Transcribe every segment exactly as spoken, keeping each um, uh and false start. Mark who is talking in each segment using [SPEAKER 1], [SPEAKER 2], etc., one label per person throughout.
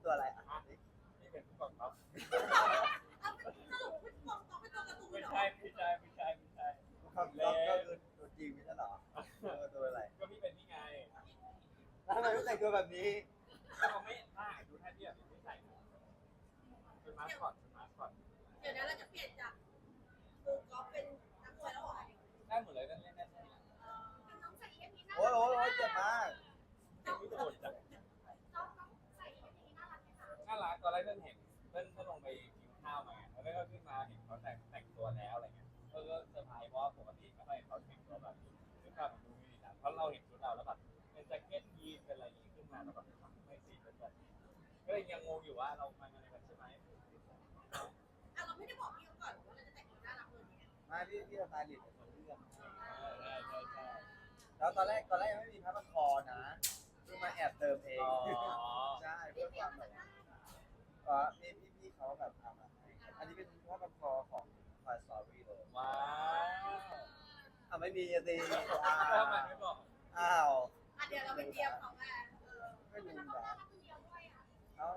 [SPEAKER 1] ตัวอะไรอ่ะ
[SPEAKER 2] นี่เป็นผู้กองท็อป
[SPEAKER 3] เอาเป็นสรุปเป็นตัวต้องเป็นตัวการ์ตูน
[SPEAKER 2] ไม่
[SPEAKER 3] เหรอ
[SPEAKER 2] ใช่ไม่ใช่ไม่ใช่ไม่ใช่
[SPEAKER 1] เขาก็คือตัวจริงไม่ใช่หรอตัวอะไร
[SPEAKER 2] ก็พี่เป็นนี่ไง
[SPEAKER 1] แล้วทำไมไม่แต่งตัวแบบนี้
[SPEAKER 2] ก็เขาไม่ถ้าดูท่าเทียบไม่ใส่เป็นมาสคอตเป็นมาสคอต
[SPEAKER 3] เดี๋ยวนะเราจะเปลี่ยนจากครูกอล์ฟเป็นนักมวยแล้วเหรอ
[SPEAKER 2] ได้หมดเลยนั่นเล่นได้ทุกอย่าง
[SPEAKER 3] น้องใส่เอ็มนี้น่า
[SPEAKER 1] โอ้ยโอ้ยโอ้ยเจ็บมาก
[SPEAKER 2] ไม่โดนจัง
[SPEAKER 3] น้องน้องใส่เอ็มนี้น่ารักไหมคะ
[SPEAKER 2] น่ารักตอนแรกเพิ่งเห็นเพิ่งเพิ่งลงไปกินข้าวมาแล้วก็ขึ้นมาเห็นเขาแต่งแต่งตัวแล้วอะไรเงี้ยก็ก็เซอร์ไพรส์เพราะปกติไม่ค่อยเห็นเขาแต่งตัวแบบนี้ซึ่งก็ดูไม่ดีนะเพราะเราเห็นชุดเราแล้วแบบเป็นแจ็คเก็ตยีนเป็นอะไรอย่างงี้ขึ้นมาแล้วแบบไม่สีเป็นแบบก็เลยยังงงอยู่ว่าเรามาอะไรกันใช่ไหม
[SPEAKER 3] อ่ะเราไม่ได้บอกพี่เขาก่อนว่าเราจะแต่งตัวน่ารักเลยเนี่ย
[SPEAKER 1] มาพี่พี่สไตลิสต์เป็นคนเลือก
[SPEAKER 2] ใช่ใช่ใช่
[SPEAKER 1] แล้วตอนแรกตอนแรกยังไม่มีพับคอนะเพิ่งมาแอบเติมเองใช่เพื่อความแบบอ๋อพี่พี่พี่เขาแบบทำมาให้อันนี้เป็นพับคอของ Toy Story เลย
[SPEAKER 2] ว้าว
[SPEAKER 1] อ่ะไม่มีสิ
[SPEAKER 2] ทำไมไม่บอก
[SPEAKER 1] อ้าว
[SPEAKER 3] อ่ะเดี๋ยวเราไปเตรียมของมาเออ
[SPEAKER 1] ไม่รู้
[SPEAKER 3] แล้วก็
[SPEAKER 1] นะ
[SPEAKER 3] น่ารักคนเดียวด้วยอ่ะ
[SPEAKER 1] เอ้า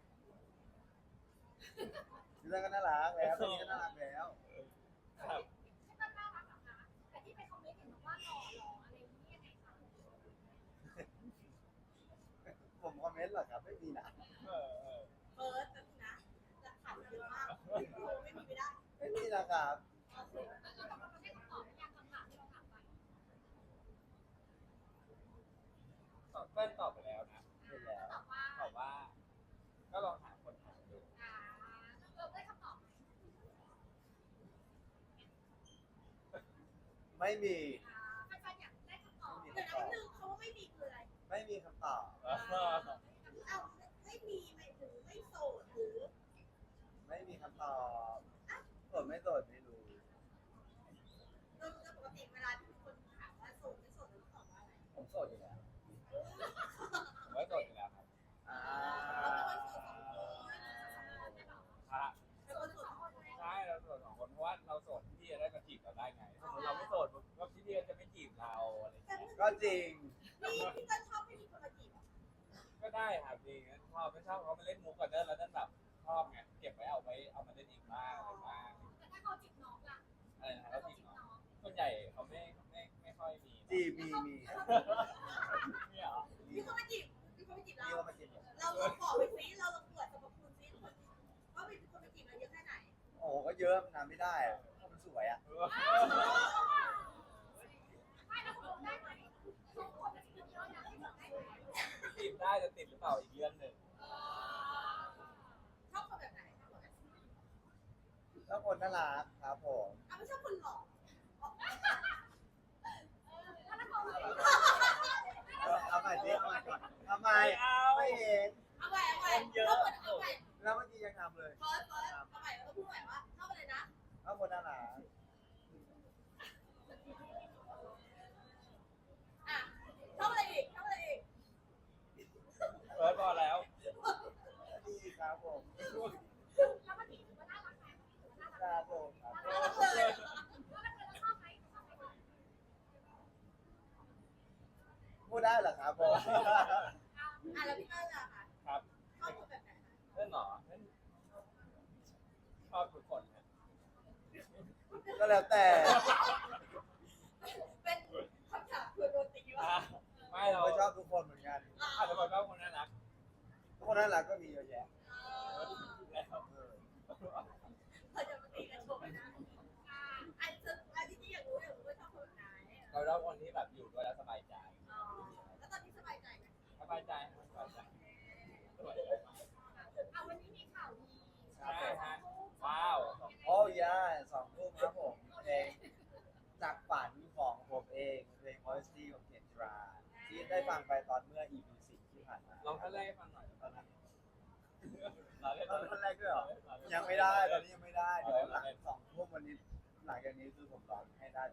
[SPEAKER 1] เรื่องก็น่ารักแล้วตอนนี้ก็น่ารักแล้ว
[SPEAKER 2] ครับ
[SPEAKER 3] ใช่ป่ะน่ารักเหรอคะแต่ที่ไปคอมเมนต์เห็นบอกว่าหล่อหล่ออะไรอย่างเงี้ยยังไงคะ
[SPEAKER 1] ผมคอมเมนต์เหรอครับไม่มีนะ
[SPEAKER 2] เออเออ
[SPEAKER 3] เฟิร์สนะหลักฐานเยอะมากโอ้ไม่มีไม่ได้
[SPEAKER 1] ไม่มีนะครับ
[SPEAKER 3] โอเคแล้วเราเราได้คำตอบหรือยังคำถามที่เราถามไป
[SPEAKER 2] ตอบเปิ้ลตอบไปแล้วนะ
[SPEAKER 1] เห็นแล้ว
[SPEAKER 3] ตอบว่า
[SPEAKER 2] ตอบว่า ก็ลองหาคนถามดู
[SPEAKER 3] อ่าเราได้คำตอบไหม
[SPEAKER 1] ไม่มี
[SPEAKER 3] อ่าแฟนๆอยากได้คำตอบเดี๋ยวนะนิดนึงเขาว่าไม่มีคืออะไร
[SPEAKER 1] ไม่มีคำตอบ
[SPEAKER 3] เอ้าไม่มีหมายถึงไม่โสดหรือ
[SPEAKER 1] ไม่มีคำตอบโสดไม่โสดไม่รู้
[SPEAKER 3] โดยปกติเวลาที่มีคนถามว่าโสดไม่โสดเราต้องตอบว่าอะไร
[SPEAKER 1] ผมโสดอยู่แล้ว
[SPEAKER 2] ผมว่าโสดอยู่แล้วครับ
[SPEAKER 1] อ่า
[SPEAKER 3] เราเป็นคนโสดสองคนไม่หรอ
[SPEAKER 2] พระ
[SPEAKER 3] เป็นคนโสดสองคนเลย
[SPEAKER 2] ใช่เราโสดสองคนเพราะว่าเราโสดพี่จะได้มาจีบเราได้ไงถ้าสมมติเราไม่โสดก็พี่เดียจะไม่จีบเราอะไรอย่างเงี้ย
[SPEAKER 1] ก็จริง
[SPEAKER 3] นี่พี่ก็ชอบให้มีคนมาจีบ
[SPEAKER 2] ก็ได้ครับจริงชอบไม่ชอบเขามาเล่นมุกกันเด้อแล้วนั่นแบบชอบไงเก็บไว้เอาไว้เอามาเล่นอีกบ้างอะไรบ้าง
[SPEAKER 3] แต่ถ้าเขาจีบน้องล่ะ
[SPEAKER 2] อะไรนะค
[SPEAKER 3] ถ้า
[SPEAKER 2] รับ
[SPEAKER 3] เขา
[SPEAKER 2] จี
[SPEAKER 3] จี
[SPEAKER 2] บบ น้
[SPEAKER 3] น้
[SPEAKER 2] อ
[SPEAKER 3] อง ง
[SPEAKER 2] ส่วนใหญ่เขาไม่ไม่ไม่ค่อยมี
[SPEAKER 1] จีบมีมี
[SPEAKER 2] เนี่ยเหรอ
[SPEAKER 3] มีคนมาจีบมีคนมาจีบ
[SPEAKER 1] มี
[SPEAKER 3] เรา
[SPEAKER 1] ว่ามาจีบผม
[SPEAKER 3] เราลองบอกไปซิเราลองตรวจสรรพคุณซิว่ามีคนมาจีบเราเยอะแค่ไหน
[SPEAKER 1] โอ้โหก็เยอะมันนานไม่ได้อะเพราะมันสวยอ่ะ
[SPEAKER 3] ไม่แล้วคุณได้ไหมทุกคนมาจีบเยอะนะที่บอกได้ไหม
[SPEAKER 2] จีบได้จะติดหรือเปล่าอีกเรื่องหนึ่ง
[SPEAKER 3] ชอบคนแบบไหนชอบคนแบบไหน
[SPEAKER 1] แล้วคนน่ารักครับผม
[SPEAKER 3] อ่ะไม่ชอบคนหล่อถ้าเรา
[SPEAKER 1] เอาเอาใหม่ดิเอาใหม่ก่อนทำไม
[SPEAKER 2] เอา
[SPEAKER 1] ไม่เห็น
[SPEAKER 3] เอาใหม่เอาใหม่เอาใหม่เอาใหม่
[SPEAKER 1] แล้วเมื่อกี้ยังทำเลย
[SPEAKER 3] เฟิร์สเฟิร์สเอาใหม่เราต้องพูดใหม่ว่าชอบอะไรนะ
[SPEAKER 1] แล้วคนน่ารัก
[SPEAKER 3] อ่ะชอบอะไรอีกชอบอะไรอีก
[SPEAKER 2] เฟิร์สพอแล้ว
[SPEAKER 1] ดีครับผม
[SPEAKER 3] แล้วมันถือว่าน่ารักไหมถือว่าน่า
[SPEAKER 1] ค
[SPEAKER 3] รั
[SPEAKER 1] รั
[SPEAKER 3] ก
[SPEAKER 1] บผมครับ
[SPEAKER 3] น่ารักเลยแล้วเราชอบไหมชอบไหม
[SPEAKER 1] พูดได้เหรอครับผม
[SPEAKER 3] อ่ะแล้วพี่เต้ยล่ะค่ะ
[SPEAKER 2] ครับ
[SPEAKER 3] ชอบคนแบบไหนคะ
[SPEAKER 2] เล่นหรอเล่นชอบทุกคนนะ
[SPEAKER 1] ก็แล้วแต่
[SPEAKER 3] เป็นคำถามคือโดนตีว่า
[SPEAKER 2] อ่ะไม่
[SPEAKER 1] ผม
[SPEAKER 2] เรา
[SPEAKER 1] ก็ชอบทุกคนเหมือนกัน
[SPEAKER 2] อาจจะบอกว่าคนน่ารัก
[SPEAKER 1] ทุกคนน่ารักก็มีเยอะแยะ
[SPEAKER 2] แล้ว
[SPEAKER 1] เออ
[SPEAKER 3] เธอจะมาตีกันโชว์นะอ่าอันจะอันที่อยากรู้อยากรู้ว่าชอบคนไหน
[SPEAKER 2] เราชอบคนที่แบบอยู่ด้วยแล้วสบายใจ
[SPEAKER 3] อ๋อแล้วตอนนี้สบายใจไหม
[SPEAKER 2] สบายใจสบายใจสบายใจมาก
[SPEAKER 3] เอาวันนี้มีข่าวดี
[SPEAKER 2] ใช่ฮะว้าว
[SPEAKER 1] โอ้ยาสองทุ่มครับผมเพลงจากฝันของผมเองเพลง Modesty ของเคนทราที่ได้ฟังไปตอนเมื่อ อี พี สี่ที่ผ่านมา
[SPEAKER 2] ลองท่านแรกให้ฟังหน่อย
[SPEAKER 1] ตอนนั้น
[SPEAKER 2] เราเล่น
[SPEAKER 1] ตอนนั้นแรกด้วยเหรอ ยังไม่ได้ตอนนี้ยังไม่ได้เดี๋ยวหลังสองทุ่มวันนี้หลังจากนี้คือผมร้องให้ได้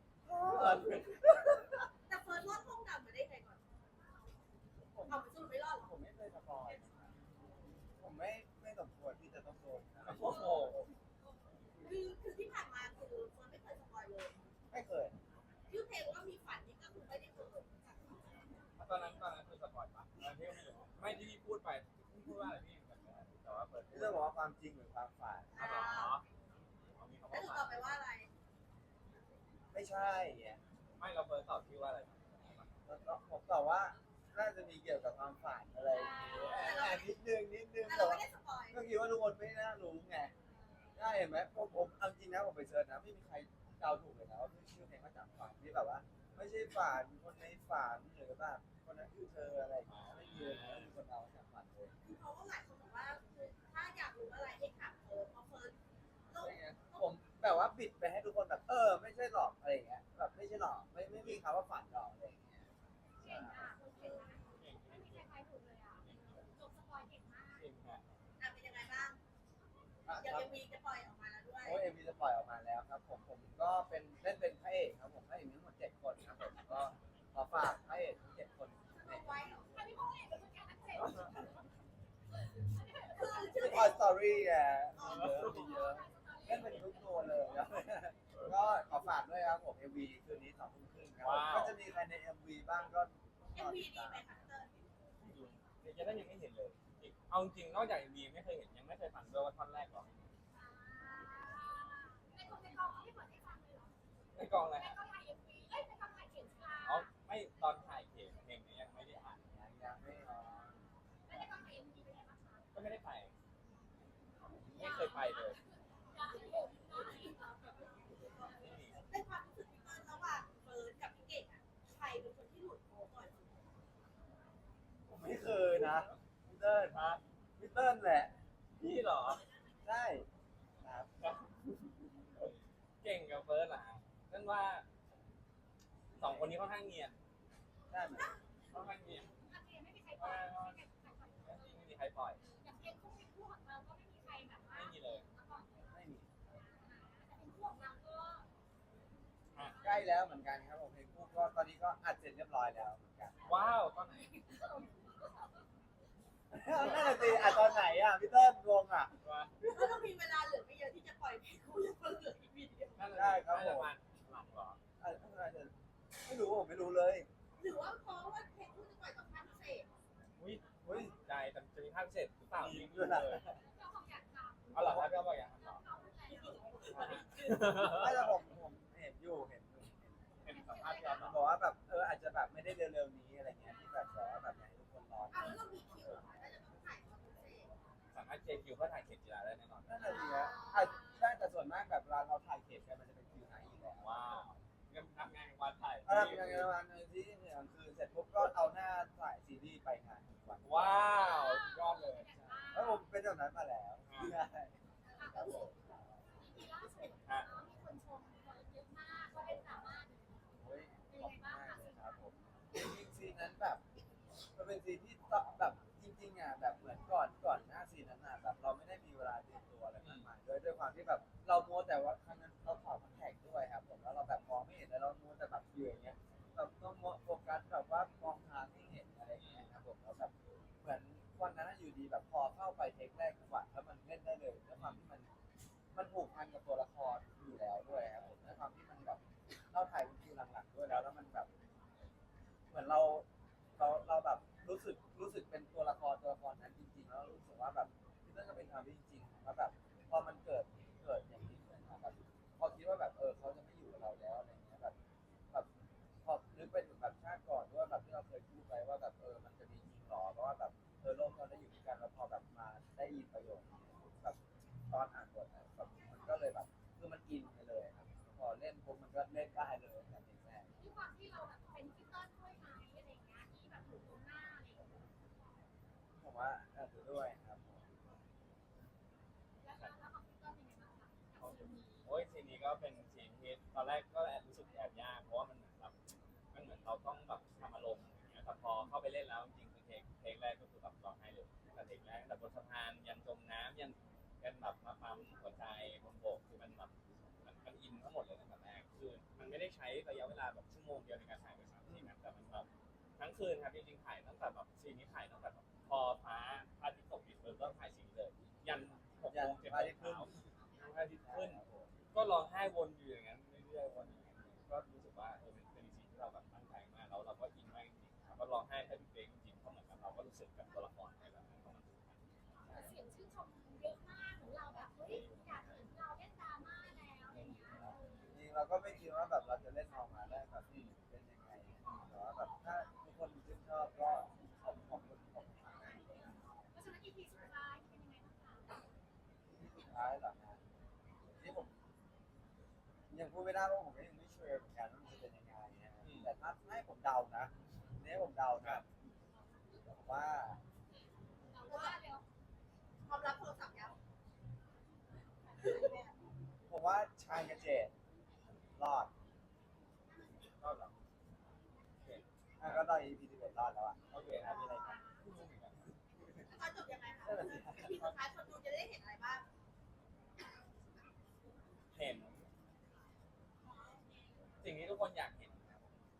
[SPEAKER 3] แต่เฟิร์สรอดห้องดำมาได้ไงก่อนเอาไปสู้ไม่รอดหรอ
[SPEAKER 1] ผมไม่เคยสปอยผมไม่ไม่สมควรที่จะต้องโดนนะ
[SPEAKER 2] โอ้โห
[SPEAKER 3] คือคือที่ผ่านมาคือเฟิร์สไม่เคยสปอยเลย
[SPEAKER 1] ไม่เคย
[SPEAKER 3] ชื่อเพลงว่ามีฝันนี่ก็คือไม่ได้เกิด
[SPEAKER 2] ตอนนั้นตอนนั้นคือสปอร์ตปะตอนที่ไม่รู้ไม่ที่พี่พูดไปพูดว่าอะไรพี่แต่ว่าเปิด
[SPEAKER 1] พี่เติ้ลบอกว่าความจริงหรือความฝัน
[SPEAKER 2] อ๋อเอามีคำ
[SPEAKER 3] แล้ว
[SPEAKER 2] ว่า
[SPEAKER 3] หนูตอบไปว่าอะไร
[SPEAKER 1] ไม่ใช่ไง
[SPEAKER 2] ไม่เราเปิดตอบพี่ว่าอะไร
[SPEAKER 1] แล้วผมตอบว่าน่าจะมีเกี่ยวกับความฝันอะไรอย่างเงี้ยอ่ะนิดนึงนิดนึง
[SPEAKER 3] แต่
[SPEAKER 1] แต่
[SPEAKER 3] เราไม่
[SPEAKER 1] ว่า
[SPEAKER 3] ได้สปอย
[SPEAKER 1] ก็คิดว่าทุกคนไม่น่ารู้ไงได้เห็นไหมผมผมเอาจริงนะผมไปเซิร์ชนะไม่มีใครเดาถูกเลยนะว่าชื่อเพลงมาจากฝันที่แบบว่า ไม่ใช่ฝันคนในฝันหรือแบบคนนั้นคือเธออะไรอย่างเงี้ยไม่มีเลยนะมีคนเดาจากฝันเลย
[SPEAKER 3] คือเขาก็หลายคนบอกว่าคือถ้าอยากรู้อะไรให้ถามเฟิร์สเพราะเฟิร์สโลก
[SPEAKER 1] ใช่ไงผมแบบว่าบิดไปให้ทุกคนแบบเออไม่ใช่หรอกอะไรอย่างเงี้ยแบบไม่ใช่หรอกไม่ไม่มีคำว่าฝันหรอกอะไรอย่างเงี้ย
[SPEAKER 4] เก่งอ่ะคุณเก่งมากไม่มีใครทายถูกเลยอ่ะจบสปอยเก่งมาก
[SPEAKER 2] จริงฮะ
[SPEAKER 3] อ่ะเป็นยังไงบ้าง
[SPEAKER 1] อ่ะ
[SPEAKER 3] เดี๋ย
[SPEAKER 1] คว รับ
[SPEAKER 3] เอ็มวีจะปล่อยออกมาแล้วด้วย
[SPEAKER 1] โอ้ยเอ็มวีจะปล่อยออกมาแล้วครับผมผมก็เป็นเล่นเป็นพระเอกครับผมพระเอกมีทั้งหมดเจ็ดคนครับผมก็ขอฝากพระเอกทั้งเจ็ดคน
[SPEAKER 3] เอาไว้เหรอ
[SPEAKER 4] อันนี้พ่อเอกเป็นคนการนักเตะ
[SPEAKER 3] คือชื่
[SPEAKER 1] ชื่
[SPEAKER 3] อ
[SPEAKER 1] อ
[SPEAKER 3] เพ
[SPEAKER 1] คอย
[SPEAKER 3] ลง
[SPEAKER 1] สตอรี่อ่ะเยอะมีเยอะเล่นเป็นทุกตัวเลยครับก็ขอฝากด้วยครับผม เอ็ม วี คืนนี้สองทุ่มครึ่งครับผมก็จะมีใครใน เอ็ม วี บ้างก็
[SPEAKER 3] เอ็มวีดีไหมคะเติ้ล
[SPEAKER 2] เดี๋ยวจะได้ยังไม่เห็นเลยเอาจริงนอกจากดีไม่เคยเห็นยังไม่เคยฟังด้วยว่าท่อนแรกหรอ
[SPEAKER 4] ในกองในกองเขาไม่เปิดให้ฟังเลยเหรอ
[SPEAKER 2] ในกองเลย
[SPEAKER 4] ใน
[SPEAKER 2] ฮะ
[SPEAKER 4] กองถ่ายเอ็มวีเอ้ยในกองถ่ายเขียนชา
[SPEAKER 2] อ๋อไม่ตอนถ่ายเพลงเพลงนี้ยังไม่ได้อ่าน
[SPEAKER 1] ยังยังไม่ออก
[SPEAKER 4] แล้วในกองถ่ายเอ็มวีเป็นไงบ้างคะ
[SPEAKER 2] ก็ไม่ได้ไปไม่เคยไปเลย
[SPEAKER 4] อยากให้เห็นหน่อย
[SPEAKER 2] ไม่มี
[SPEAKER 3] ในความรู้สึกพี่เติ้ลระหว่างเฟิร์สกับพี่เก่งอ่ะใครเป็นคนที่หลุดโค้งก่อนสุด
[SPEAKER 1] ผมไม่เคยนะพี่เติ้ล
[SPEAKER 2] ฮะ
[SPEAKER 1] พี่เติ้ลแหละ
[SPEAKER 2] พี่เหรอ
[SPEAKER 1] ใช่ครับ
[SPEAKER 2] เก่งกับเฟิร์สเหรอฮะนั่นว่าสองคนนี้ค่อนข้างเงียบ
[SPEAKER 1] ใช่ไหม
[SPEAKER 2] ค่อนข้างเงียบ
[SPEAKER 4] โอเคไม่มีใครปล่อยไม่มีใครปล่อย
[SPEAKER 2] ไม่มีใครปล่อย
[SPEAKER 4] อย่างเพลงคู่เป็นคู่ของเราก็ไม่มีใครแบบว่า
[SPEAKER 2] ไม่มีเลย
[SPEAKER 4] มาก่อน
[SPEAKER 1] ไม่มี
[SPEAKER 4] แต่เป็นคู่ของเราก็
[SPEAKER 1] ใกล้แล้วเหมือนกันครับผมเพลงคู่ก็ตอนนี้ก็อัดเสร็จเรียบร้อยแล้วเหมือนกัน
[SPEAKER 2] ว้าวตอนไหน
[SPEAKER 1] นั่นแหละสิอัดตอนไหนอ่ะพี่เติ้ลงงอ่ะ
[SPEAKER 2] ว่า
[SPEAKER 3] เพราะเรามีเวลาเหลือไม่เยอะที่จะปล่อยเพลงคู่ยังเหลืออีกวีเดียว
[SPEAKER 2] น่าจะ
[SPEAKER 1] ได้ครับ
[SPEAKER 2] น่า
[SPEAKER 1] ผ
[SPEAKER 2] จะ
[SPEAKER 1] ม
[SPEAKER 2] มาหลังเหรอ
[SPEAKER 1] อ่ะไม่รู้ผมไม่รู้เลย
[SPEAKER 3] หรือว่าเพราะว่าเพลงคู่จะปล่อยตอนภาคพิเศษ
[SPEAKER 2] อุ้ย
[SPEAKER 1] เฮ้ย
[SPEAKER 2] ได้แต่จะมีภาคพิเศษหรือเปล่า
[SPEAKER 1] มี
[SPEAKER 2] ไม่
[SPEAKER 1] ด้
[SPEAKER 2] รู้
[SPEAKER 1] วย
[SPEAKER 2] เล
[SPEAKER 1] นะ
[SPEAKER 2] ย
[SPEAKER 4] เจ้าของอยากทำ
[SPEAKER 2] เอาเหรอครับพี่เอาบอกอย่างนั้นเหรอ
[SPEAKER 4] เขาพูดอะไรอ่ะ
[SPEAKER 1] ไม่แต่ผมผมเห็นอยู่เห็นอยู่เห็น
[SPEAKER 2] เห็นสัมภาษณ์พี่เอา
[SPEAKER 1] มัน
[SPEAKER 2] เห
[SPEAKER 1] บ
[SPEAKER 2] ร
[SPEAKER 1] อ
[SPEAKER 2] อก
[SPEAKER 1] ว่าแบบเอออาจจะแบบไม่ได้เร็วๆนี้อะไรเงี้ยที่แบบบอกว่าแบบอยากให้ทุกคนรอ
[SPEAKER 3] อ้าวแล้วเรามีคิวเหรอคะถ้าจะต้องถ่ายตอนพิเศษ
[SPEAKER 2] สามารถเจคิวเพื่อถ่ายเข็มกีฬาได้แน่นอน
[SPEAKER 1] นั่นแหละสิฮะอ่ะได้แต่ส่วนมากแบบเวลาเราถ่ายเก็บกันมันจะเป็นคิวไหนอยู่แล้ว
[SPEAKER 2] ว้าวงั้นทำงานวันถ่าย
[SPEAKER 1] ถ้าทำงานประมาณที่กลางคืนเสร็จปุ๊บก็เอาหน้าถ่ายซีรีส์ไปงานทุกวัน
[SPEAKER 2] ว้าวสุดยอดเลย
[SPEAKER 1] แล้วผมเป็นแบบนั้นมาแล้วใช่
[SPEAKER 4] ก็คือทีล่าสุดเนาะมีคนชมคนเยอะมากก็เป็นสามารถ
[SPEAKER 1] โอ้ยขอบคุณมากเลยครับผมจริงๆซีนนั้นแบบมันเป็นซีนที่แบบจริงๆอ่ะแบบเหมือนก่อนก่อนหน้าซีนนั้นอ่ะแบบเราไม่ได้มีเวลาเตรียมตัวอะไรมากมายด้วยด้วยความที่แบบเรามัวแต่ว่าครั้งนั้นเราถอดคอนแทคด้วยครับผมแล้วเราแบบมองไม่เห็นแล้วเรามัวแต่แบบอยู่อย่างเงี้ยแบบต้องโฟกัสแบบว่ามองทางไม่เห็นอะไรอย่างเงี้ยครับผมแล้วแบบเหมือนวันนั้นอยู่ดีแบบพอเข้าไปเทคแรกจังหวะแล้วมันเล่นได้เลยด้วยความที่มันมันผูกพันกับตัวละครอยู่แล้วด้วยครับผมด้วยความที่มันแบบเราถ่ายเป็นคิวหลังๆด้วยแล้วแล้วมันแบบ เหมือนเราเราเราแบบรู้สึกรู้สึกเป็นตัวละครตัวละครนั้นจริงๆแล้วรู้สึกว่าแบบที่นั่นก็เป็นความที่จริงๆแล้วแบบพอมันเกิดเกิดอย่างนี้ขึ้นมาแบบพอคิดว่าแบบเออเขาจะไม่อยู่กับเราแล้วอะไรเงี้ยแบบแบบพอนึกไปถึงแบบชาติก่อนด้วยแบบที่เราเคยพูดไปว่าแบบเออมันจะมีจริงหรอเพราะว่าแบบเออโลกเราได้อยู่ด้วยกันแล้วพอแบบมาได้ยินประโยคนี้แบบตอนอ่านบทอะแบบมันก็เลยแบบคือมันอินไปเลยครับพอเล่นปุ๊บมันก็เล่นได้เลยแบบนี้แม่
[SPEAKER 4] ด้วยความที่เราแบบเป็นพิเตอร์ด้วยไหมอะไรอย่างเงี้ยที่แบบอยู่ตรงหน้าอะไรอย่างเงี้ย
[SPEAKER 1] ผมว่าอาจจะด้วยครับผม
[SPEAKER 4] แล้วแล้วของพิเตอร์เป็นยังไงบ้างคะกับซีรีส์
[SPEAKER 2] โอ้ยซีนนี้ก็เป็นซีนที่ตอนแรกก็แอบรู้สึกแอบยากเพราะว่ามันเหมือนแบบมันเหมือนเราต้องแบบทำอารมณ์อย่างเงี้ยแต่พอเข้าไปเล่นแล้วจริงๆคือเทคเทคแรกก็คือแบบร้องไห้เลยแต่เทคแรกแต่บนสะพานยันจมน้ำยันยันแบบมาปั๊มหัวใจบนบกคือมันแบบมันมันอินทั้งหมดเลยตั้งแต่แรกคือมันไม่ได้ใช้ระยะเวลาแบบชั่วโมงเดียวในการถ่ายไปสามซีนนะแต่มันแบบทั้งคืนครับจริงๆถ่ายตั้งแต่แบบซีนนี้ถ่ายตั้งแต่แบบพอฟ้าพระอาทิตย์ตกดินเริ่มถ่ายซีนนี้เลยยันหกโมงเจ็ดโมงเช้าพระอาทิตย์ขึ้น ก็ร้องไห้วนอยู่อย่างนั้นเรื่อยๆวนอย่างนั้นก็รู้สึกว่าเออเป็นเป็นซีนที่เราแบบตั้งใจมากแล้วเราก็อินมากจริงๆครับก็ร้องไห้แทบทุกเพลงจริงๆเพราะเหมือนกับเราก็รู้สึกกับตัวละครในแบบนั้นของมัน
[SPEAKER 4] เยอะมากของเราแบบเฮ้ยอยากเห็นเราเล่นดราม่าแล้วอะไรอย่างเงี้ย
[SPEAKER 1] จริงเราก็ไม่คิดว่าแบบเราจะเล่นออกมาได้แบบเป็นยังไงแต่ว่าแบบถ้าทุกคนชื่นชอบก็ขอบขอบคุณขอบคุณมากนะ
[SPEAKER 4] เพราะฉะนั้น อี พี สุดท้ายเป็นยังไงบ้างคะ
[SPEAKER 1] ที่สุดท้ายเหรอฮะที่ผมยังพูดไม่ได้เพราะผมก็ยังไม่เชื่อเหมือนกันว่ามันจะเป็นยังไงนะแต่ถ้าให้ผมเดานะเนี่ยผมเดานะผมว่า
[SPEAKER 4] เราว่าเร็ว
[SPEAKER 3] ความรับโทรศัพท์ยัง
[SPEAKER 1] ผมว่าชายกับเจดรอด
[SPEAKER 2] ก็แบบโอเค
[SPEAKER 1] อ่ะก็ตอน อี พี สิบเอ็ดรอดแล้วอ่ะ
[SPEAKER 2] โอเค
[SPEAKER 1] อ่ะ
[SPEAKER 2] นะ
[SPEAKER 1] มี
[SPEAKER 2] มี
[SPEAKER 1] อะ
[SPEAKER 2] อะไร ไร
[SPEAKER 1] ครับ
[SPEAKER 2] ไม่รู้เหมือนกัน
[SPEAKER 3] ตอนจบยังไงคะทีสุดท้ายคนดูจะได้เห็นอะไรบ้าง
[SPEAKER 2] เห็น สิ่งที่ทุกคนอยากเห็นครับ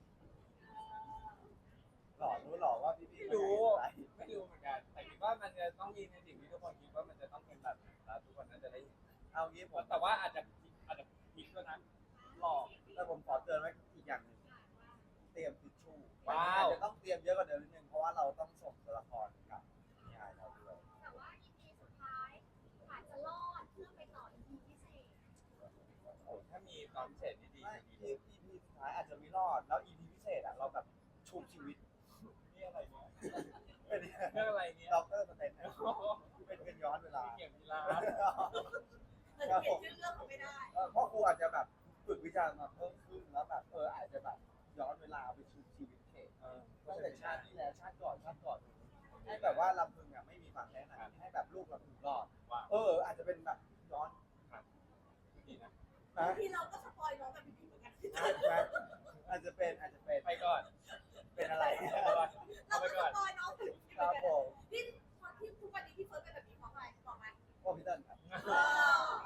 [SPEAKER 1] หล่อรู้หล่อว่าพี่พี่
[SPEAKER 2] ไม่รู้
[SPEAKER 1] อะไร
[SPEAKER 2] ไม่รู้เหมือนกันแต่คิดว่ามันจะต้องมีในสิ่งที่ทุกคนคิดว่ามันจะต้องเป็นแบบนั้นแล้วทุกคนน่าจะได้เห็น
[SPEAKER 1] เอางี้ผม
[SPEAKER 2] แต่ว่าอาจจะอาจจะผิดด้วยนะหลอก
[SPEAKER 1] แต่ผมขอเตือนไว้อีกอย่างหนึ่งเตรียมทิชชู่
[SPEAKER 2] ว้าว
[SPEAKER 1] อาจจะต้องเตรียมเยอะกว่าเดิมนิดนึงเพราะว่าเราต้องส่งตัวละครกับนิยายเราด้วย
[SPEAKER 4] แต่ว่า อี พี สุดท้ายอาจจะรอดเพื่อไปต่อ อี พี พิเศษ
[SPEAKER 2] โอ้ถ้ามีตอนพิเศษนี่ดี
[SPEAKER 1] ไม่
[SPEAKER 2] จะดี
[SPEAKER 1] อี พีสุดท้ายอาจจะไม่รอดแล้ว อี พี พิเศษอ่ะเราแบบชุบชีวิต
[SPEAKER 2] นี่อะไรเนี่ย
[SPEAKER 1] เป็น
[SPEAKER 2] เรื่องอะไรเนี่ย
[SPEAKER 1] ด็อกเตอร์สเตนนะ
[SPEAKER 2] โอ้โห
[SPEAKER 1] เป็นเป็นย้อนเวลา
[SPEAKER 2] เกี่ยวกีฬา
[SPEAKER 3] เออเปลี่ยนชื่อเรื่องเขาไม่ได้
[SPEAKER 1] เออเพราะครูอาจจะแบบฝึกวิชามาเพิ่มขึ้นแล้วแบบเอออาจจะแบบย้อนเวลาไปชุบชีวิตเขต
[SPEAKER 2] เออ
[SPEAKER 1] ตั้งแต่ชาติที่แล้วชาติก่อนชาติก่อนให้แบบว่าลำพึงอ่ะไม่มีความแค้นอะให้แบบลูกลำพึงรอด
[SPEAKER 2] ว่า
[SPEAKER 1] เอออาจจะเป็นแบบย้อน
[SPEAKER 2] ดีนะ
[SPEAKER 1] นะ
[SPEAKER 3] ที่เราก็สปอยน้องแบบพี่เหมือนกัน
[SPEAKER 1] อาจจะเป็นอาจจะเป็น
[SPEAKER 2] ไปก่อน
[SPEAKER 1] เป็นอะไร
[SPEAKER 2] เอาไป
[SPEAKER 3] เรา
[SPEAKER 2] เอาไป
[SPEAKER 3] ก็ส
[SPEAKER 2] ก่อน
[SPEAKER 3] ปอยน้องแบบพี่เห
[SPEAKER 1] ค
[SPEAKER 3] มือ
[SPEAKER 1] รั
[SPEAKER 3] น
[SPEAKER 1] บ
[SPEAKER 3] กัน
[SPEAKER 1] ผม
[SPEAKER 3] ที่ที่ทุกวันนี้พี่เฟิร์สเป็นแบบนี้เพราะอะไรบอกไหม
[SPEAKER 1] พ่อพี่เติ้ลครับ
[SPEAKER 3] เออ